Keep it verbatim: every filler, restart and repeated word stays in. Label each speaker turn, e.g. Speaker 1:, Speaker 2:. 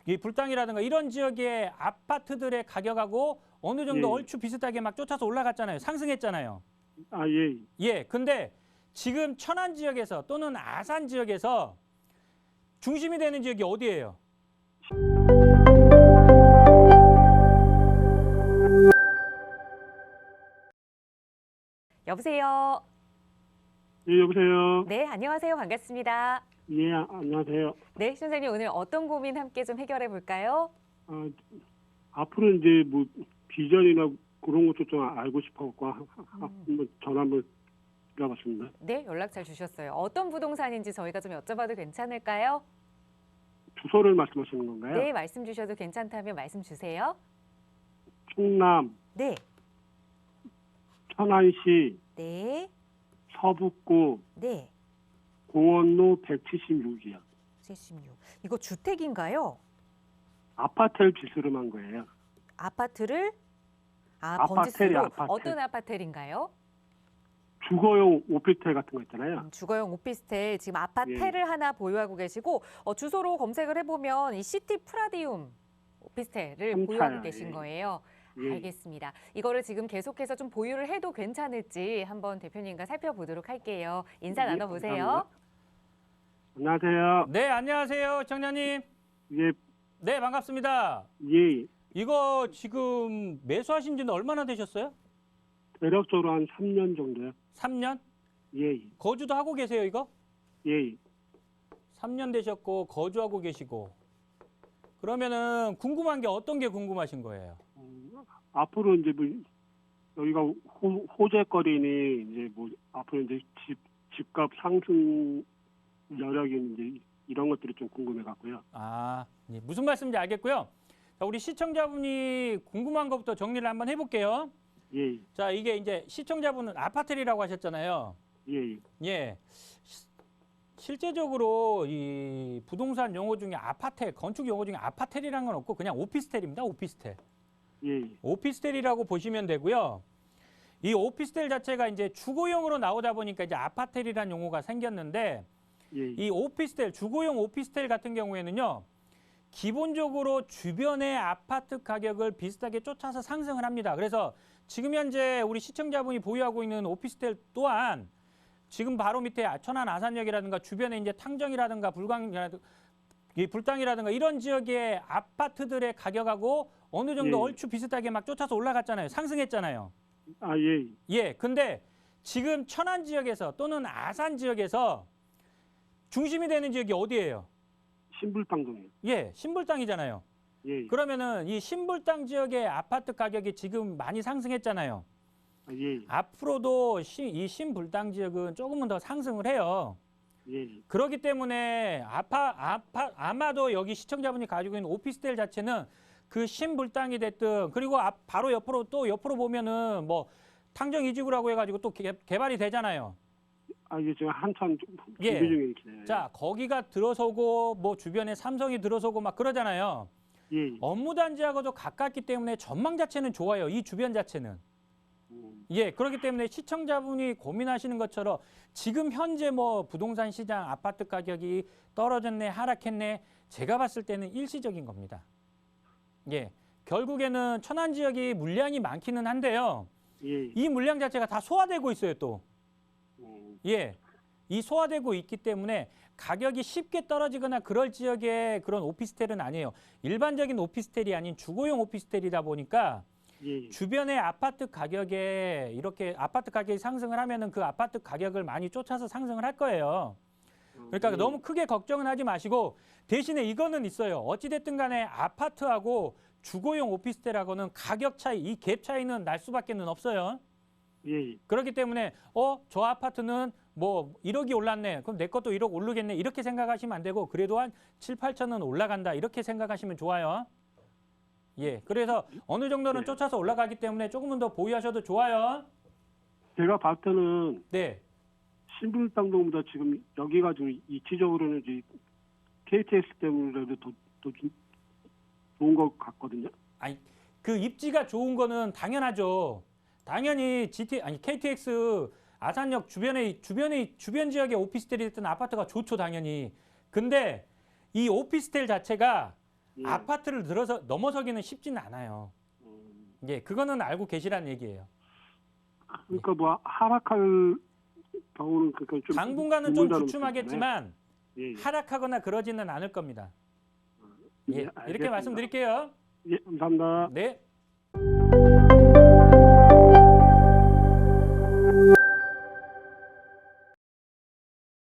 Speaker 1: 이 불당이라든가 이런 지역의 아파트들의 가격하고 어느 정도
Speaker 2: 예.
Speaker 1: 얼추 비슷하게 막 쫓아서 올라갔잖아요. 상승했잖아요.
Speaker 2: 아, 예.
Speaker 1: 예, 근데 지금 천안 지역에서 또는 아산 지역에서 중심이 되는 지역이 어디예요?
Speaker 3: 여보세요.
Speaker 2: 예, 여보세요.
Speaker 3: 네, 안녕하세요. 반갑습니다.
Speaker 2: 예, 아, 안녕하세요.
Speaker 3: 네, 선생님 오늘 어떤 고민 함께 좀 해결해 볼까요?
Speaker 2: 아, 앞으로 이제 뭐 비전이나 그런 것도 좀 알고 싶어갖고 하- 하- 한번 전화 한번 드려봤습니다.
Speaker 3: 네, 연락 잘 주셨어요. 어떤 부동산인지 저희가 좀 여쭤봐도 괜찮을까요?
Speaker 2: 주소를 말씀하시는 건가요?
Speaker 3: 네, 말씀 주셔도 괜찮다면 말씀 주세요.
Speaker 2: 충남
Speaker 3: 네,
Speaker 2: 천안시
Speaker 3: 네,
Speaker 2: 서북구
Speaker 3: 네.
Speaker 2: 공원로 백칠십육이요.
Speaker 3: 칠십육. 이거 주택인가요?
Speaker 2: 아파트를 기술을 한 거예요.
Speaker 3: 아파트를 아,
Speaker 2: 아파트예요,
Speaker 3: 번지수로
Speaker 2: 아파트.
Speaker 3: 어떤 아파트인가요?
Speaker 2: 주거용 오피스텔 같은 거 있잖아요.
Speaker 3: 음, 주거용 오피스텔 지금 아파트를 하나 보유하고 계시고 어, 주소로 검색을 해보면 이 시티 프라디움 오피스텔을
Speaker 2: 삼
Speaker 3: 보유하고
Speaker 2: 차요,
Speaker 3: 계신
Speaker 2: 예.
Speaker 3: 거예요.
Speaker 2: 예.
Speaker 3: 알겠습니다. 이거를 지금 계속해서 좀 보유를 해도 괜찮을지 한번 대표님과 살펴보도록 할게요. 인사
Speaker 2: 예,
Speaker 3: 나눠보세요.
Speaker 2: 감사합니다. 안녕하세요.
Speaker 1: 네, 안녕하세요, 청년님.
Speaker 2: 예,
Speaker 1: 네, 반갑습니다.
Speaker 2: 예.
Speaker 1: 이거 지금 매수하신 지는 얼마나 되셨어요?
Speaker 2: 대략적으로 한 삼 년 정도요.
Speaker 1: 삼 년?
Speaker 2: 예,
Speaker 1: 거주도 하고 계세요, 이거?
Speaker 2: 예.
Speaker 1: 삼 년 되셨고 거주하고 계시고. 그러면은 궁금한 게 어떤 게 궁금하신 거예요?
Speaker 2: 음, 앞으로 이제 뭐 여기가 호, 호재거리니 이제 뭐 앞으로 이제 집 집값 상승 여력이 이제 이런 것들이 좀 궁금해 갖고요.
Speaker 1: 아, 예, 무슨 말씀인지 알겠고요. 자, 우리 시청자분이 궁금한 것부터 정리를 한번 해볼게요.
Speaker 2: 예,
Speaker 1: 자, 이게 이제 시청자분은 아파트리라고 하셨잖아요.
Speaker 2: 예,
Speaker 1: 예. 시- 실제적으로 이 부동산 용어 중에 아파텔, 건축 용어 중에 아파텔이라는 건 없고 그냥 오피스텔입니다. 오피스텔.
Speaker 2: 예,
Speaker 1: 오피스텔이라고 보시면 되고요. 이 오피스텔 자체가 이제 주거용으로 나오다 보니까 이제 아파텔이라는 용어가 생겼는데
Speaker 2: 예,
Speaker 1: 이 오피스텔, 주거용 오피스텔 같은 경우에는요. 기본적으로 주변의 아파트 가격을 비슷하게 쫓아서 상승을 합니다. 그래서 지금 현재 우리 시청자분이 보유하고 있는 오피스텔 또한 지금 바로 밑에 천안 아산역이라든가 주변에 이제 탕정이라든가 불광이라든가 이 불당이라든가 이런 지역의 아파트들의 가격하고 어느 정도
Speaker 2: 예.
Speaker 1: 얼추 비슷하게 막 쫓아서 올라갔잖아요. 상승했잖아요.
Speaker 2: 아, 예,
Speaker 1: 예, 근데 지금 천안 지역에서 또는 아산 지역에서 중심이 되는 지역이 어디예요?
Speaker 2: 신불당동이요.
Speaker 1: 예, 신불당이잖아요.
Speaker 2: 예,
Speaker 1: 그러면은 이 신불당 지역의 아파트 가격이 지금 많이 상승했잖아요.
Speaker 2: 아, 예,
Speaker 1: 앞으로도 시, 이 신불당 지역은 조금은 더 상승을 해요.
Speaker 2: 예,
Speaker 1: 그렇기 때문에 아파, 아파, 아마도 여기 시청자분이 가지고 있는 오피스텔 자체는 그 신불당이 됐든 그리고 앞, 바로 옆으로 또 옆으로 보면은 뭐 탕정 이지구라고 해가지고 또 개, 개발이 되잖아요.
Speaker 2: 아, 이게 지금 한참 준비
Speaker 1: 예.
Speaker 2: 중에 있네요.
Speaker 1: 자, 거기가 들어서고 뭐 주변에 삼성이 들어서고 막 그러잖아요.
Speaker 2: 예,
Speaker 1: 업무 단지하고도 가깝기 때문에 전망 자체는 좋아요. 이 주변 자체는.
Speaker 2: 음,
Speaker 1: 예, 그렇기 때문에 시청자분이 고민하시는 것처럼 지금 현재 뭐 부동산 시장 아파트 가격이 떨어졌네, 하락했네, 제가 봤을 때는 일시적인 겁니다. 예, 결국에는 천안 지역이 물량이 많기는 한데요.
Speaker 2: 예,
Speaker 1: 이 물량 자체가 다 소화되고 있어요, 또.
Speaker 2: 음,
Speaker 1: 예, 이 소화되고 있기 때문에 가격이 쉽게 떨어지거나 그럴 지역의 그런 오피스텔은 아니에요. 일반적인 오피스텔이 아닌 주거용 오피스텔이다 보니까
Speaker 2: 예,
Speaker 1: 주변의 아파트 가격에 이렇게 아파트 가격이 상승을 하면은 그 아파트 가격을 많이 쫓아서 상승을 할 거예요. 그러니까
Speaker 2: 예,
Speaker 1: 너무 크게 걱정은 하지 마시고 대신에 이거는 있어요. 어찌됐든 간에 아파트하고 주거용 오피스텔하고는 가격 차이, 이 갭 차이는 날 수밖에는 없어요.
Speaker 2: 예,
Speaker 1: 그렇기 때문에 어, 저 아파트는 뭐 일억이 올랐네. 그럼 내 것도 일억 오르겠네. 이렇게 생각하시면 안 되고 그래도 한 칠, 팔천은 올라간다. 이렇게 생각하시면 좋아요. 예, 그래서 어느 정도는
Speaker 2: 네.
Speaker 1: 쫓아서 올라가기 때문에 조금은 더 보유하셔도 좋아요.
Speaker 2: 제가 봤을 때는
Speaker 1: 네,
Speaker 2: 신불당동보다 지금 여기가 좀 이치적으로는 이제 케이티엑스 때문에라도 더, 더 좀 좋은 것 같거든요.
Speaker 1: 아니 그 입지가 좋은 거는 당연하죠. 당연히 지티 아니 케이티엑스 아산역 주변에 주변에 주변 지역의 오피스텔이 됐든 아파트가 좋죠, 당연히. 근데 이 오피스텔 자체가
Speaker 2: 예.
Speaker 1: 아파트를 들어서 넘어서기는 쉽지는 않아요.
Speaker 2: 음,
Speaker 1: 예, 그거는 알고 계시라는 얘기예요.
Speaker 2: 그러니까 뭐 하락할 경우는 그러니까 좀
Speaker 1: 당분간은 좀
Speaker 2: 드물다는
Speaker 1: 주춤하겠지만
Speaker 2: 예, 예.
Speaker 1: 하락하거나 그러지는 않을 겁니다. 예,
Speaker 2: 예,
Speaker 1: 이렇게
Speaker 2: 알겠습니다.
Speaker 1: 말씀드릴게요.
Speaker 2: 예, 감사합니다.
Speaker 1: 네.